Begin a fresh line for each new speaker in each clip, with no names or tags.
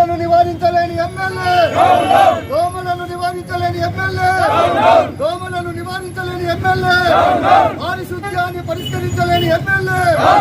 దోమలను నివారించలేని ఎమ్మెల్యే దోమలను నివారించలేని ఎమ్మెల్యే దోమలను నివారించలేని ఎమ్మెల్యే పారిశుద్ధ్యాన్ని పరిష్కరించలేని ఎమ్మెల్యే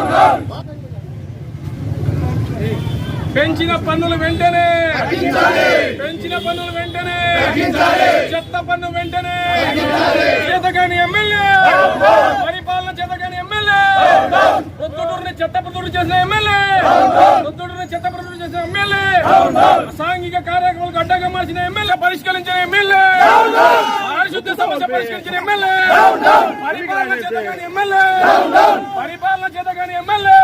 పెంచిన పన్నులు వెంటనే పెంచిన పన్నులు వెంటనే చెత్త పన్ను వెంటనే చేతగాని ఎమ్మెల్యే పరిపాలన చేతగాని ఎమ్మెల్యే ప్రొద్దుటూరుని చెత్త ప్రొద్దుటూరు చేసిన ఎమ్మెల్యే ప్రొద్దుటూరుని చెత్త ప్రొద్దుటూరు చేసిన ఎమ్మెల్యే అసాంఘిక కార్యక్రమాలకు అడ్డంగా మార్చిన ఎమ్మెల్యే పరిష్కరించిన ఎమ్మెల్యే పారిశుద్ధ్య సమస్య పరిష్కరించిన ఎమ్మెల్యే పరిపాలన చేతగాని ఎమ్మెల్యే పరిపాలన చేతగాని ఎమ్మెల్యే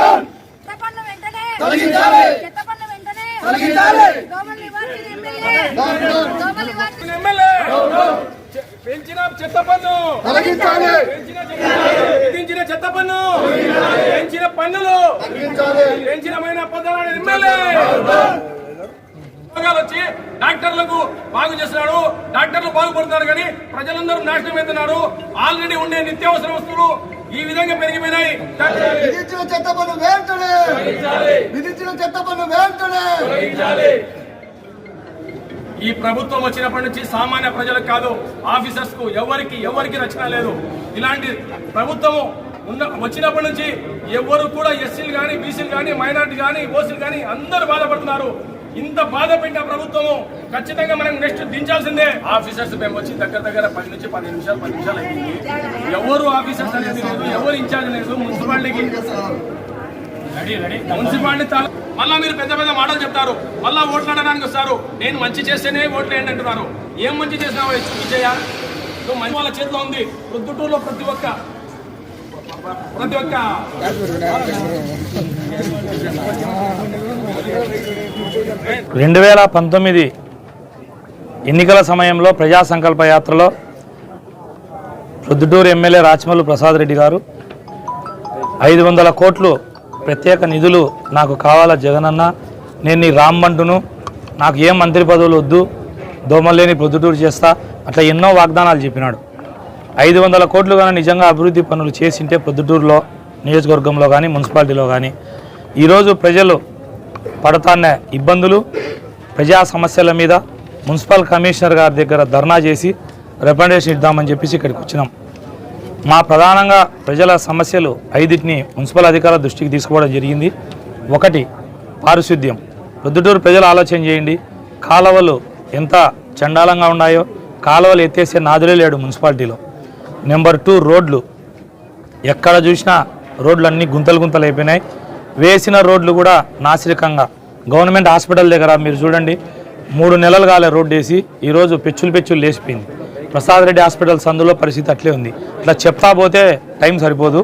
పెంచిన చెత్త పన్ను విధించిన చెత్త పన్ను పెంచిన పన్నులు పెంచిన పదాలు ఎమ్మెల్యే వచ్చి డాక్టర్లకు బాగు చేస్తున్నాడు డాక్టర్లు బాగుపడుతున్నారు కానీ ప్రజలందరూ నాశనం అవుతున్నారు ఆల్రెడీ ఉండే నిత్యావసర వస్తువులు ఈ విధంగా పెరిగిపోయినాయి
విధించిన చెత్త పన్ను వెంటనే విధించిన చెత్త పన్ను వెంటనే
ఈ ప్రభుత్వం వచ్చినప్పటి నుంచి సామాన్య ప్రజలకు కాదు ఆఫీసర్స్ కు ఎవరికి రచన లేదు ఇలాంటి ప్రభుత్వము వచ్చినప్పటి నుంచి ఎవరు కూడా ఎస్సీలు కానీ బీసీలు కానీ మైనార్టీ కానీ ఓసీలు కానీ అందరూ బాధపడుతున్నారు ఇంత బాధ పెట్టిన ప్రభుత్వము ఖచ్చితంగా మనం నెక్స్ట్ దించాల్సిందే ఆఫీసర్స్ మేము వచ్చి దగ్గర 10 నుంచి 15 నిమిషాలు అయింది ఎవరు ఆఫీసర్స్ అనేది లేదు ఎవరు ఇన్ఛార్జ్ లేదు మున్సిపాలిటీకి మున్సిపాలిటీ మళ్ళా మీరు పెద్ద మాటలు చెప్తారు మళ్ళా ఓట్లాడడానికి వస్తారు నేను మంచి చేస్తేనే ఓట్లు వేయండి అంటున్నారు ఏం మంచి చేసినావు విజయ మంచి వాళ్ళ చేతిలో ఉంది ప్రొద్దుటూరులో ప్రతి ఒక్క
2019 ఎన్నికల సమయంలో ప్రజా సంకల్ప యాత్రలో ప్రొద్దుటూరు ఎమ్మెల్యే రాచమల్లు ప్రసాద్ రెడ్డి గారు 500 కోట్లు ప్రత్యేక నిధులు నాకు కావాలా జగనన్న, నేను నీ రామ్మంటును, నాకు ఏం మంత్రి పదవులు వద్దు, దోమలేని ప్రొద్దుటూరు చేస్తా, అట్లా ఎన్నో వాగ్దానాలు చెప్పినాడు. 500 కోట్లు కానీ నిజంగా అభివృద్ధి పనులు చేసింటే ప్రొద్దుటూరులో నియోజకవర్గంలో కానీ మున్సిపాలిటీలో కానీ ఈరోజు ప్రజలు పడుతున్న ఇబ్బందులు ప్రజా సమస్యల మీద మున్సిపల్ కమిషనర్ గారి దగ్గర ధర్నా చేసి రిప్రజెంటేషన్ ఇద్దామని చెప్పేసి ఇక్కడికి వచ్చినాం. మా ప్రధానంగా ప్రజల సమస్యలు 5టిని మున్సిపల్ అధికారుల దృష్టికి తీసుకోవడం జరిగింది. 1 పారిశుద్ధ్యం. ప్రొద్దుటూరు ప్రజలు ఆలోచన చేయండి, కాలువలు ఎంత చండాలంగా ఉన్నాయో, కాలువలు ఎత్తేసే నాదులే లేడు మున్సిపాలిటీలో. నెంబర్ 2 రోడ్లు. ఎక్కడ చూసినా రోడ్లు అన్నీ గుంతలు అయిపోయినాయి. వేసిన రోడ్లు కూడా నాసిరకంగా. గవర్నమెంట్ హాస్పిటల్ దగ్గర మీరు చూడండి 3 నెలలు కాలే రోడ్డు వేసి ఈరోజు పెచ్చులు లేచిపోయింది. ప్రసాద్ రెడ్డి హాస్పిటల్ సందులో పరిస్థితి అట్లే ఉంది. ఇట్లా చెప్తా పోతే టైం సరిపోదు.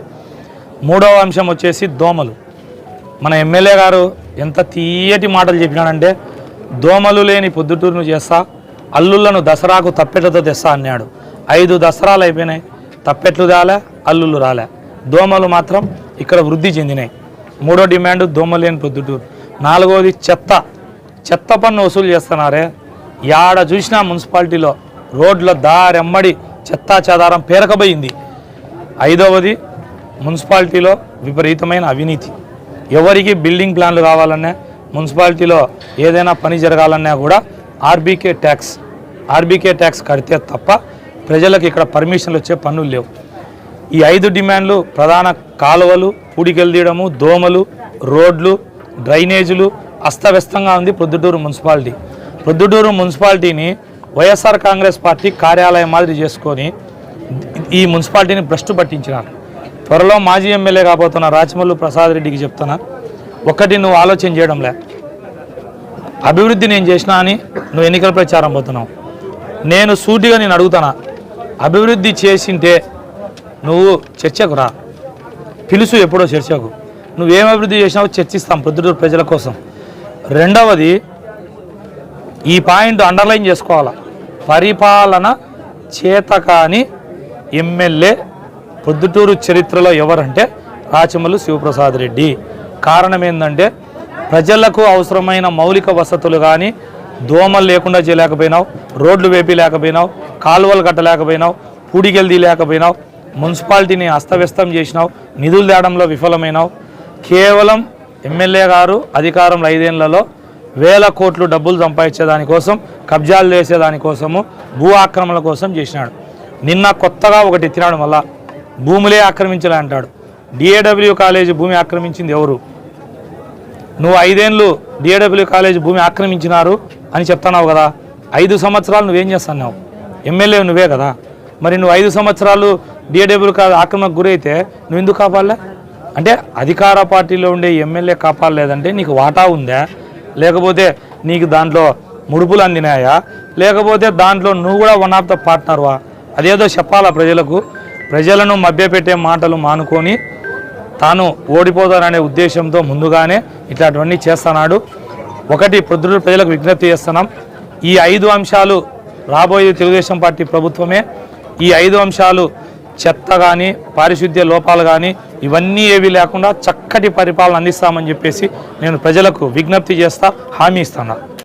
3వ అంశం వచ్చేసి దోమలు. మన ఎమ్మెల్యే గారు ఎంత తీయటి మాటలు చెప్పినాడంటే దోమలు లేని పొద్దుటూరును చేస్తా, అల్లుళ్లను దసరాకు తప్పెట్లతో తెస్తా అన్నాడు. 5 దసరాలు అయిపోయినాయి, తప్పెట్లు రాలే, అల్లుళ్ళు రాలే, దోమలు మాత్రం ఇక్కడ వృద్ధి చెందినాయి. 3వ డిమాండ్ దోమలు లేని పొద్దుటూరు. 4వది చెత్త పన్ను వసూలు చేస్తున్నారే, యాడ చూసినా మున్సిపాలిటీలో రోడ్ల దారెమ్మడి చెత్తా చెదారం పేరకబోయింది. 5వది మున్సిపాలిటీలో విపరీతమైన అవినీతి. ఎవరికి బిల్డింగ్ ప్లాన్లు కావాలన్నా, మున్సిపాలిటీలో ఏదైనా పని జరగాలన్నా కూడా ఆర్బీకే ట్యాక్స్ కడితే తప్ప ప్రజలకు ఇక్కడ పర్మిషన్లు వచ్చే పన్నులు లేవు. ఈ 5 డిమాండ్లు ప్రధాన కాలువలు పూడికెళ్ళదీయడము, దోమలు, రోడ్లు, డ్రైనేజీలు అస్తవ్యస్తంగా ఉంది ప్రొద్దుటూరు మున్సిపాలిటీ. ప్రొద్దుటూరు మున్సిపాలిటీని వైఎస్ఆర్ కాంగ్రెస్ పార్టీ కార్యాలయం మాదిరి చేసుకొని ఈ మున్సిపాలిటీని భ్రష్టు పట్టించినారు. త్వరలో మాజీ ఎమ్మెల్యే కాబోతున్న రాచమల్లు ప్రసాద్ రెడ్డికి చెప్తున్నా, 1 నువ్వు ఆలోచన చేయడంలే, అభివృద్ధి నేను చేసినా అని నువ్వు ఎన్నికల ప్రచారం పోతున్నావు. నేను సూటిగా నేను అడుగుతానా, అభివృద్ధి చేసింటే నువ్వు చర్చకు రా, పిలుసు ఎప్పుడో చర్చకు. నువ్వేం అభివృద్ధి చేసినావో చర్చిస్తాం ప్రొద్దుటూరు ప్రజల కోసం. 2వది ఈ పాయింట్ అండర్లైన్ చేసుకోవాలా, పరిపాలన చేతకాని ఎమ్మెల్యే ప్రొద్దుటూరు చరిత్రలో ఎవరంటే రాచమల్లు శివప్రసాద్ రెడ్డి. కారణం ఏంటంటే ప్రజలకు అవసరమైన మౌలిక వసతులు కానీ దోమలు లేకుండా చేయలేకపోయినావు, రోడ్లు వేపి లేకపోయినావు, కాలువలు కట్టలేకపోయినావు, పూడికెళ్ళి లేకపోయినావు, మున్సిపాలిటీని అస్తవ్యస్తం చేసినావు, నిధులు తేడంలో విఫలమైనావు. కేవలం ఎమ్మెల్యే గారు అధికారంలో 5 ఏళ్లలో వేల కోట్లు డబ్బులు సంపాదించే దానికోసం, కబ్జాలు చేసే దానికోసము, భూ ఆక్రమణల కోసం చేసినాడు. నిన్న కొత్తగా ఒకటి ఎత్తినాడు, మళ్ళా భూములే ఆక్రమించలే అంటాడు. డిఏడబ్ల్యూ కాలేజీ భూమి ఆక్రమించింది ఎవరు? నువ్వు 5 ఏళ్ళు డిఏడబ్ల్యూ కాలేజీ భూమి ఆక్రమించినారు అని చెప్తున్నావు కదా. 5 సంవత్సరాలు నువ్వేం చేస్తున్నావు? ఎమ్మెల్యే నువ్వే కదా. మరి నువ్వు 5 సంవత్సరాలు డిఏడబ్ల్యూ ఆక్రమణకు గురైతే నువ్వు ఎందుకు కాపాడలే? అంటే అధికార పార్టీలో ఉండే ఎమ్మెల్యే కాపాడలేదంటే నీకు వాటా ఉందా, లేకపోతే నీకు దాంట్లో ముడుపులు అందినాయా, లేకపోతే దాంట్లో నువ్వు కూడా వన్ ఆఫ్ ద పార్ట్నర్వా? అదేదో చెప్పాలా ప్రజలకు. ప్రజలను మభ్యపెట్టే మాటలు మానుకొని తాను ఓడిపోతాననే ఉద్దేశంతో ముందుగానే ఇట్లాంటివన్నీ చేస్తున్నాడు. ఒకటి పొద్దున ప్రజలకు విజ్ఞప్తి చేస్తున్నాం, ఈ 5 అంశాలు రాబోయే తెలుగుదేశం పార్టీ ప్రభుత్వమే. ఈ 5 అంశాలు చెత్త కానీ, పారిశుద్ధ్య లోపాలు కానీ ఇవన్నీ ఏవి లేకుండా చక్కటి పరిపాలన అందిస్తామని చెప్పేసి నేను ప్రజలకు విజ్ఞప్తి చేస్తా, హామీ ఇస్తున్నా.